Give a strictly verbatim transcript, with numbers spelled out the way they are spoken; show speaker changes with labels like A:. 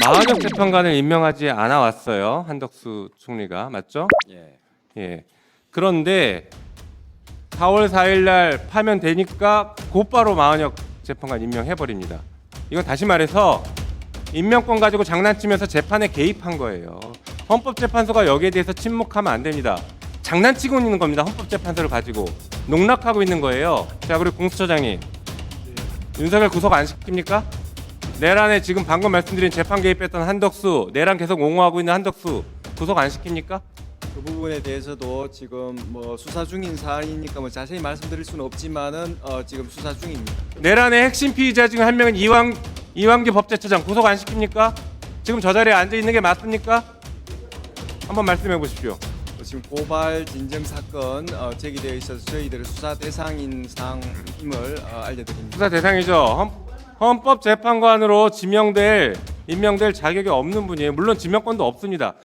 A: 마흔역 재판관을 임명하지 않아 왔어요. 한덕수 총리가. 맞죠?
B: 예.
A: 예. 그런데 사월 사일 날 파면 되니까 곧바로 마흔역 재판관 임명해 버립니다. 이건 다시 말해서 임명권 가지고 장난치면서 재판에 개입한 거예요. 헌법재판소가 여기에 대해서 침묵하면 안 됩니다. 장난치고 있는 겁니다. 헌법재판소를 가지고 농락하고 있는 거예요. 자, 그리고 공수처장님, 윤석열 구속 안 시킵니까? 내란에 지금 방금 말씀드린 재판 개입했던 한덕수, 내란 계속 옹호하고 있는 한덕수 구속 안 시킵니까?
B: 그 부분에 대해서도 지금 뭐 수사 중인 사안이니까 뭐 자세히 말씀드릴 수는 없지만은 어, 지금 수사 중입니다.
A: 내란의 핵심 피의자 중 한 명은 이왕 이완기 법제처장 구속 안 시킵니까? 지금 저 자리에 앉아 있는 게 맞습니까? 한번 말씀해 보십시오.
B: 지금 고발 진정 사건 어, 제기되어 있어서 저희들의 수사 대상인 상임을 어, 알려드립니다.
A: 수사 대상이죠. 헌, 헌법재판관으로 지명될 임명될 자격이 없는 분이에요. 물론 지명권도 없습니다.